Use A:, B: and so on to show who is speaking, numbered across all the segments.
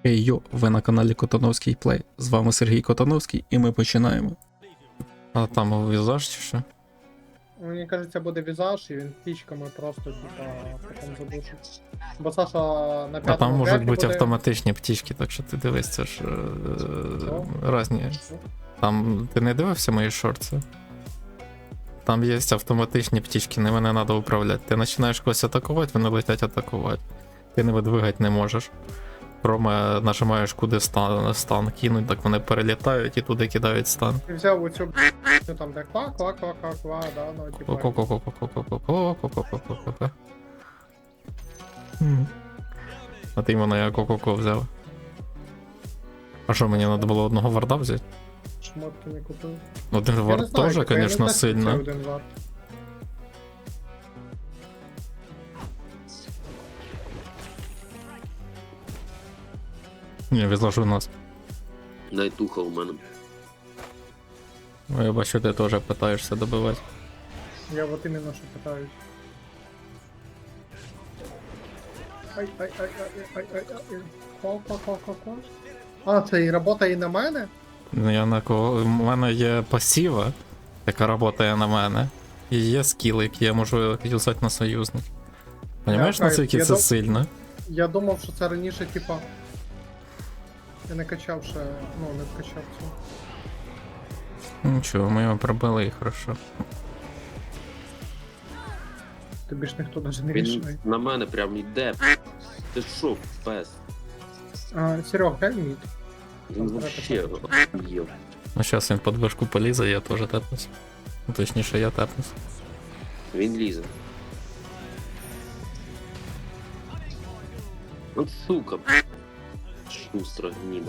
A: Хей йо, ви на каналі Котановський Плей. З вами Сергій Котановський і ми починаємо. А там візаж чи що?
B: Мені кажеться, буде візаж, і він птічками просто, типа, потім задушить. Бо Саша на
A: А
B: п'ятому
A: там можуть
B: векі
A: бути
B: буде...
A: автоматичні птічки, так що ти дивись, це ж різні. Там ти не дивився мої шорти? Там є автоматичні птічки, ними не треба управляти. Ти починаєш когось атакувати, вони летять атакувати. Ти ними двигати не можеш. Кроме нажимаєш куди стан кинуть, так вони перелітають і туди кидають стан.
B: Ти взяв оцю ну там де ква, да, ну типа...
A: Ко-ко-ко-ко-ко-ко-ко-ко-ко-ко-ко. А ти мене я ко-ко-ко взяв. А що, мені треба було одного варда взяти?
B: Шмотки не купив.
A: Один
B: Я не
A: вард
B: знаю,
A: теж,
B: типа, я не
A: звісно,
B: знаю, що це
A: сильно.
B: один вард.
A: Ні, відложу у нас.
C: Найтуха у мене.
A: Я бачу, ти теж питаєшся добивати.
B: Я от іменно що питаюсь. Ай. Ко. А, це і робота і на мене?
A: Ну, я на кого. У мене є пасіва, яка працює на мене. І є скіл, який я можу юзати на союзник. Понімаєш,
B: Я
A: наскільки
B: я
A: це
B: дум-
A: сильно?
B: Я думав, що це раніше, типа... Я не качав ще, ну, не вкачав цю.
A: Нічого, ми його пробили і хорошо.
B: Тобі ж ніхто навіть не
C: Він
B: рішає.
C: на мене прям йде. Ти що, пес?
B: Серег, дай мід.
C: Він вообще охуєв.
A: Ну зараз він під вишку полізе, я теж тепнусь. Ну, точніше, я тепнусь.
C: Він лізе. От сука. Шустра гніда.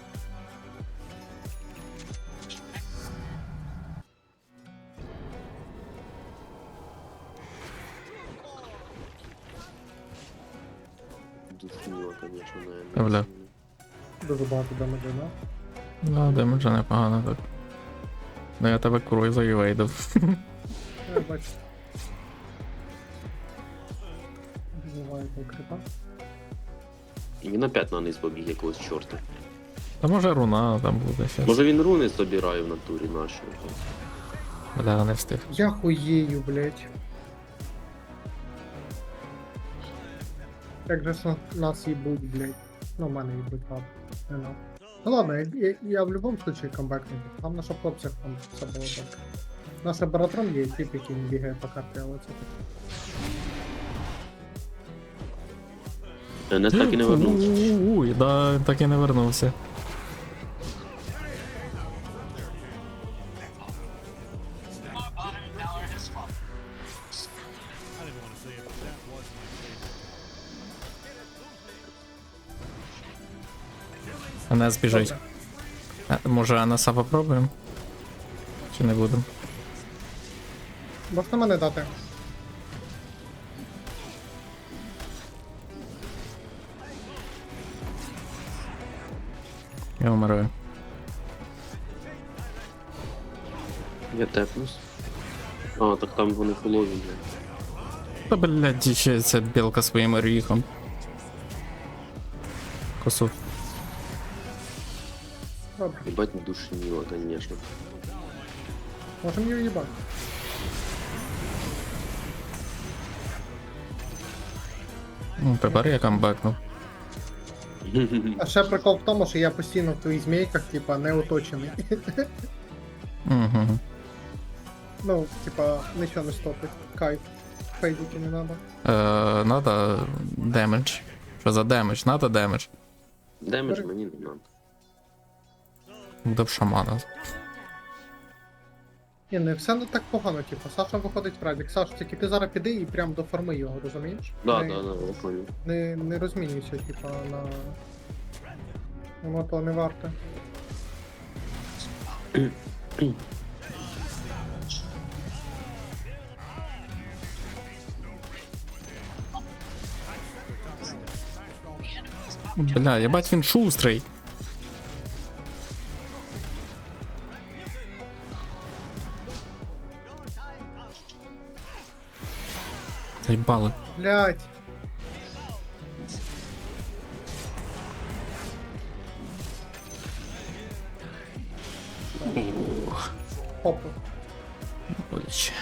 C: Душніло, конечно, наверное.
A: Бля.
B: Дуже багато демеджа, да?
A: Ну, демеджа непогано так. Ну я тебе курою завейдив.
B: Я бачу. Буває крипа.
C: І він опять на низ побіг якогось чорта.
A: Та може руна там буде щас.
C: Може він руни собирає в натурі наші.
A: Бля, не встиг.
B: Я хуєю, блять. Як же ж нас їбуть, блять. Ну, в мене їбуть, ладно. Не надо. Ну ладно, я в будь-якому случае камбекну. Там наша хлопцях там все було так. Наш баратрон є тип, який не бігає по карті, але це
C: Нес так і не вернувся.
A: Уй, да, так і не вернувся. Анес біжить.
B: добре.
A: Може Анеса попробуємо? Чи не будемо?
B: Можна мене дати?
A: Я вмираю.
C: Я тепнусь. А, так там вони фулові, блядь.
A: Та блядь, ще ця білка своїм оріхом. Косу.
B: Добре.
C: Ебать не душніло, конечно.
B: Можем її їбати.
A: Ну, тепер я камбекнув.
B: А ще прикол в тому, що я постійно в твоїх змійках, типа, не оточений.
A: Угу.
B: Ну, типа, нічого не стопить. Кайф. Фейдики не надо.
A: Надо демедж. Що за демедж? Надо демедж.
C: Демедж мені не надо.
A: Буде б шамана.
B: Ні, не все не так погано, типу. Саша виходить в радік. Саш, тільки ти зараз піди і прям до форми його, розумієш?
C: Да,
B: не,
C: да, я понял.
B: не розмінюйся, типа, на... Воно то не варте.
A: Бля, єбать він шустрий. Заїбали.
B: Блять. Попу.
A: Боляче.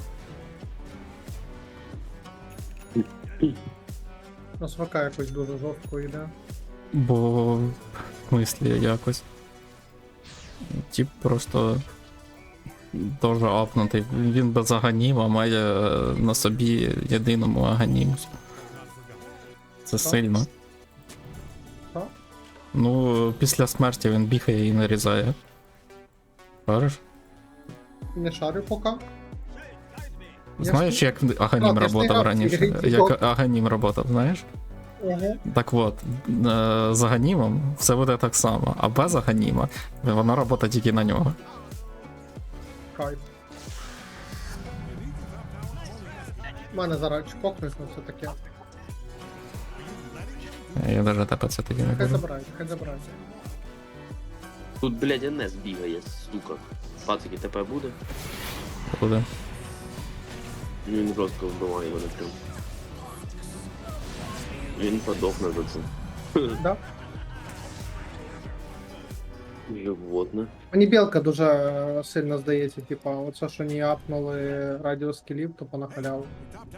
B: На СВК якось дуже жорстко йде.
A: Бо в смислі якось. Тип просто дуже апнутий. Він без аганіма має на собі єдиному аганімус. Це
B: Так.
A: сильно.
B: Так?
A: Ну, після смерті він бігає і нарізає. Бачиш?
B: Не шарю поки.
A: Знаєш, як Аганім
B: Так, я ж не
A: работав
B: грав в
A: раніше?
B: ці ігри,
A: Як Аганім работав, знаєш?
B: Ого.
A: Так от, з Аганімом все буде так само, а без Аганіма вона робота тільки на нього.
B: Кайф. У мене зараз чпокнуть, ну це таке.
A: Я навіть тебе це тоді не
B: Хай
A: буду.
B: забирають, хай забирають.
C: Тут, блядь, НС бігає, сука. Пацики, ТП буде?
A: Буде.
C: Ну, він жорстко вбиває мене прям. Він подохне за це.
B: Да?
C: Животне.
B: Мені білка дуже сильно здається, типа, оце, що не апнули радіоскілів, то по халяву.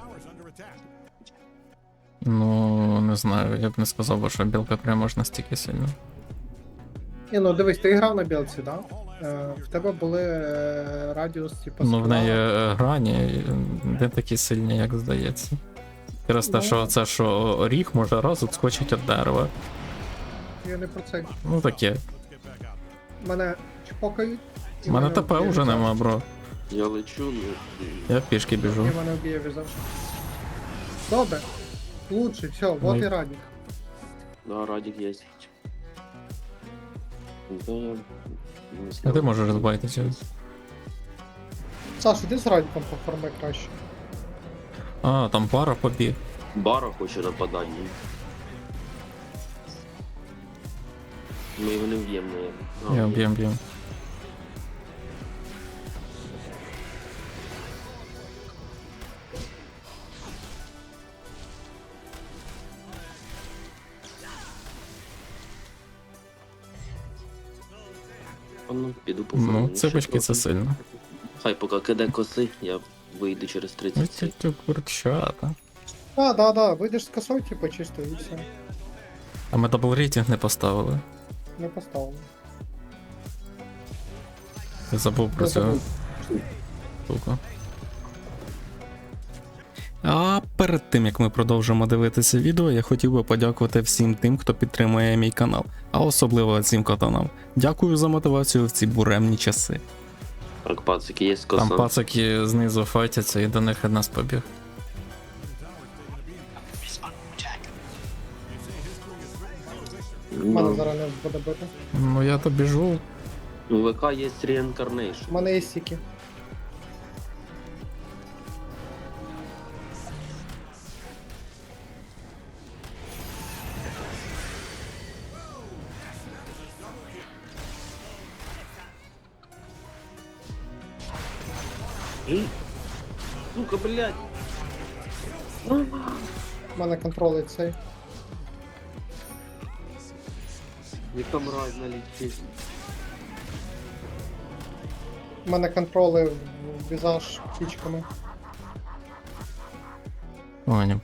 A: Ну, не знаю, я б не сказав, би, що білка прям аж настільки сильно.
B: Ні, ну дивись, ти грав на білці, да? В тебе були радіус, типа,
A: Ну, в
B: скіла.
A: неї грані не такі сильні, як здається. Через те,
B: Ну.
A: що це, що ріг може раз відскочить від дерева.
B: Я не про це.
A: Ну таке.
B: Мене чпокають. і
A: У мене
B: мене
A: ТП
B: вб'є
A: вже
B: візаж.
A: нема, бро.
C: Я лечу, ну.
A: Я пішки біжу.
B: І мене вб'є візаж. Добре. Лучше, все, вот
A: Ну.
B: і радік.
C: Да, Радик есть. Да, я... не
A: А
C: знаю.
A: ти можеш розбайтися.
B: Саш, іди з радіком поформи краще.
A: А, там пара побіг.
C: Бара хоче нападання. Ми його не вб'ємо, наверное.
A: Я б'єм.
C: Ну, піду по
A: Ну,
C: форму.
A: ципочки це сильно.
C: Хай поки киде коси, я вийду через 30
A: Ось
C: секунд.
A: цю курчата.
B: Да, вийдеш з косою, типа, чисто і все.
A: А ми дабл рейтинг не поставили.
B: Не поставили.
A: Я забув про
B: Я
A: цю
B: забув.
A: штуку. А перед тим як ми продовжимо дивитися відео, я хотів би подякувати всім тим, хто підтримує мій канал, а особливо цим катанам. Дякую за мотивацію в ці буремні часи.
C: Так, пацики, є коса.
A: Там пацаки знизу файтяться і до них від нас побіг.
B: Мене зараз не буде бити.
A: Ну я то біжу.
C: У ВК є Reincarnation.
B: У мене є сіки.
C: Сука, блядь.
B: У мене контролить цей.
C: Яка мразь налетить.
B: У мене контроли в візаж птічками.
A: Поняв.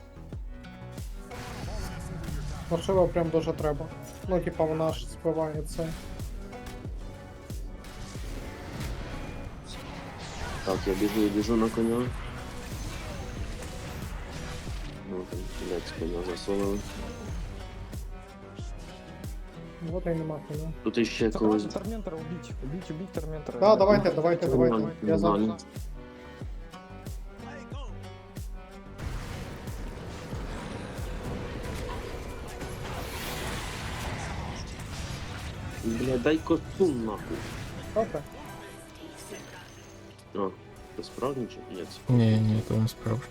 B: Можливо, прям дуже треба. Ну, типа, вона ж спиває це.
C: Так, я біжу на коня. Ну там, блядь, з коня засунули.
B: Вот і нема коня.
C: Тут іще
D: Да
C: когось.
D: давайте Торментора убить Торментора.
B: Да, давайте. Я зараз.
C: Нормально. Бля, дай костюм нахуй.
B: Добре.
C: А, ти справді чи ні? це-
A: Ні, то не справжньо.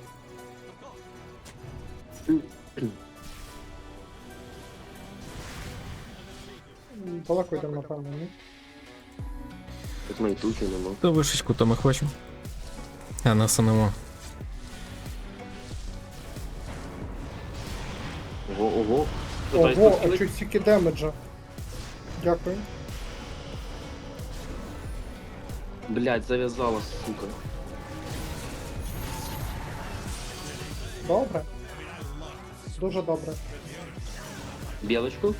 B: Далеко йдемо, напевно, ні?
C: Тут майтухи нема.
A: То вишечку то ми хочемо. А нас нема.
C: Ого.
B: Ого, а чуть стільки демеджа. Дякую.
C: Блядь, зав'язала, сука.
B: Добре. Дуже добре.
C: Білочку?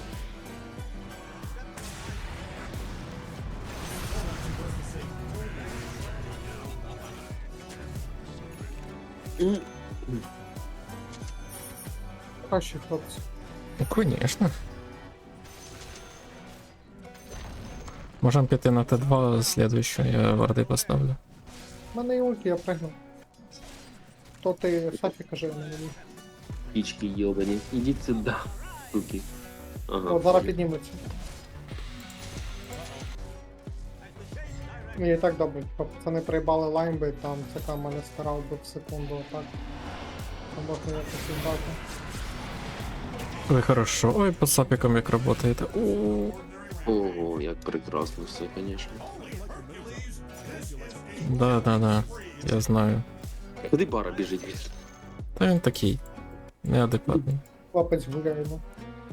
B: Кращі хлопці.
A: Ну, конечно. Можем піти на Т2 слідуючу, я варди поставлю.
B: У мене є ульті, я пригну. То ти Сафі кажи на мені.
C: Пічки йобані. Ідіть сюди, суки. Ага.
B: О, зараз підніметься. І так добре, пацани приїбали лаймби, там ЦК мене старав би в секунду отак. Там можна якось віддати.
A: Ой, хорошо. Ой, по сапікам як работаєте.
C: Ого, як прекрасно все, конечно.
A: Да, я знаю.
C: Куди бара біжить від?
A: Та він такий. Неадекватний.
B: Хлопець гуляє, ну.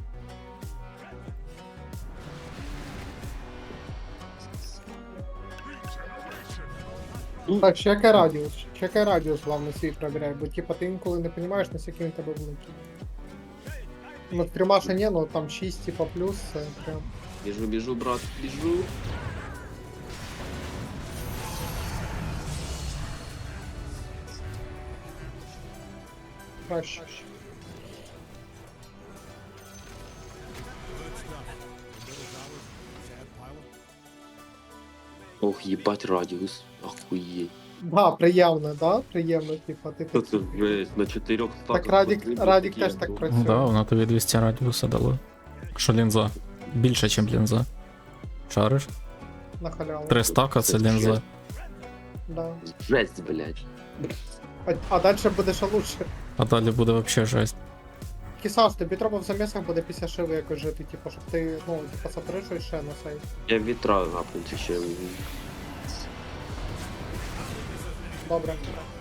B: Так, чекай радіус. Чекай радіус, главное, свій проверяй, бо типа ти інколи не розумієш, наскільки він тебе великий. Ну, в трьома ще ні, ну там 6 типа плюс, це прям.
C: Біжу, брат, біжу.
B: Краще.
C: Ох, їбать радіус. Охуєть.
B: Да, приємно, да? Приємно, типа, ти
C: Що це жесть, на 4 статах.
B: так Радік теж так працює.
A: Да, воно тобі 200 радіуса дало. Що лінза? Більше, ніж лінза. Шариш?
B: На халяву.
A: 3 стака це лінза.
B: Да.
C: Жесть, блядь.
B: А далі буде ще лучше.
A: А далі буде вообще жесть.
B: Кісаш, тобі треба в замісах буде після шиви якось жити, типу, щоб ти, ну, типа, сатришуєш ще на цей.
C: Я вітра гапнути ще.
B: Добре.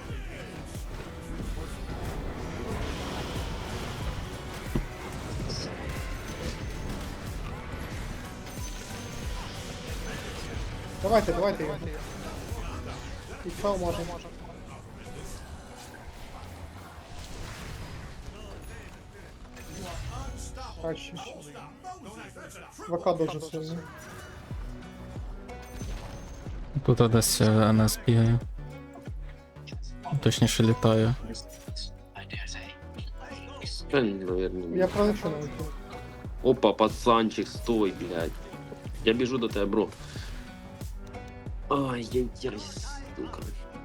B: Давайте його. І що може? Краще. ВК дуже сильний.
A: Тут десь НС бігає. Точніше літає.
C: Наверное.
B: Я пролечу на ульту.
C: Опа, пацанчик, стой, блядь. Я біжу до тебе, бро. Ай-яй-яй, сука.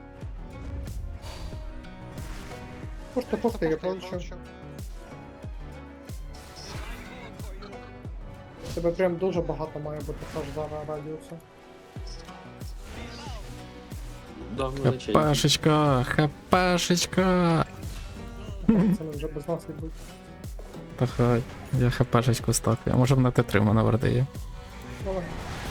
B: Пушти, я пролечу. Тебе прям дуже багато має бути аж зараз радіусу.
C: Да, величенький.
A: ХПшечка, ХПшечка.
B: Це вже без нас йдуть.
A: Та хай, я ХПшечку стакаю. Може на Т3 в мене варди є.
B: Давай.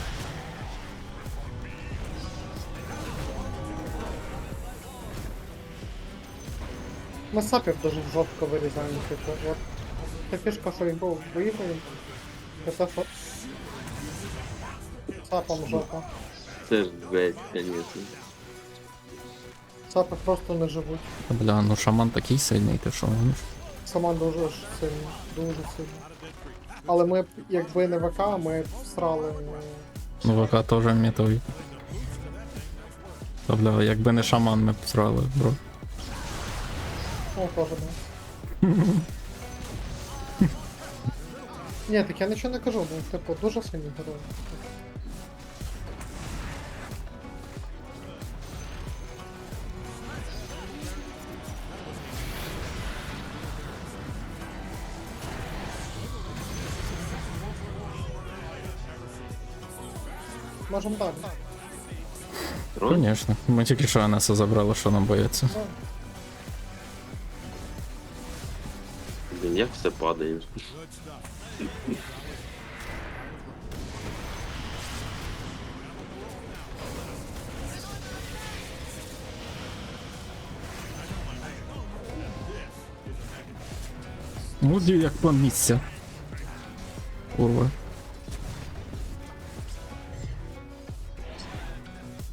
B: Ми сапів дуже жорстко вирізаємо, типу, от. Та фішка, що він був виїхав, це те, що сапом жопа.
C: Це ж жесть, конечно.
B: Сапи просто не живуть.
A: Бля, ну шаман такий сильний, ти що гониш?
B: Сама дуже ж сильна, дуже сильна. Але ми б, якби не ВК, ми б всрали.
A: Ну ВК теж мітовий. Та бля, якби не шаман, ми б срали, бро.
B: Ну, теж не. Ні, так я нічого не кажу, ну, типу, дуже сильні герої. Можемо далі.
C: Трон?
A: Конечно. Ми тільки що Анеса забрали, що нам бояться.
B: Да.
C: Блін, як все падає.
A: Муді як план місця. Курва.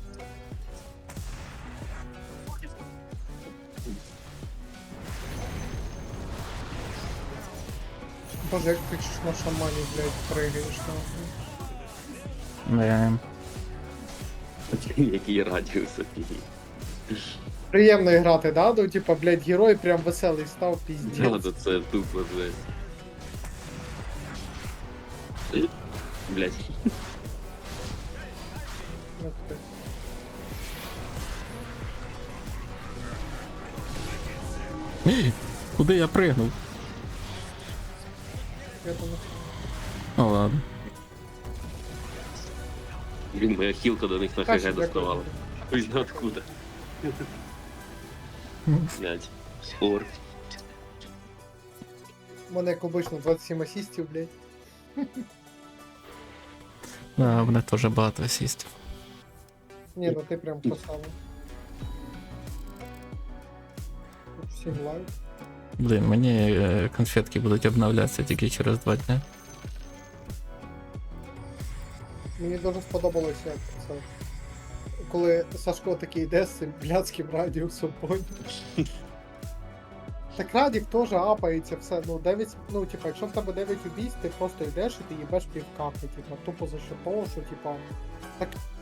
B: Боже, як ти ж на шамані, блядь, пригаєш нахуй.
A: Не.
C: Який радіус офігеть.
B: Приємно грати, да? Ну, типа, блядь, герой прям веселий став,
C: Да,
B: піздець.
C: да, це тупо жесть. Блять.
B: Ух ти.
A: Куди я пригнув?
B: Я думаю,
A: Ну ладно.
C: Блін, моя хілка до них на
B: краще
C: ХГ доставала.
B: дякую.
C: Хуй знає откуда. Блять. Спор.
B: У мене, як обично, 27 асістів, блядь.
A: Да, в мене теж багато асістів.
B: Ні, ну ти прям красава. Тут всім лайк.
A: Блін, мені конфетки будуть обновлятися тільки через 2 дні.
B: Мені дуже сподобалося, як це. Коли Сашко такий йде з цим блядським радіусом, поняв. Так Радік теж апається все, ну 9, ну типа, якщо в тебе 9 убійств, ти просто йдеш і ти їбеш півкапи, типа, тупо за що того, що типа. Так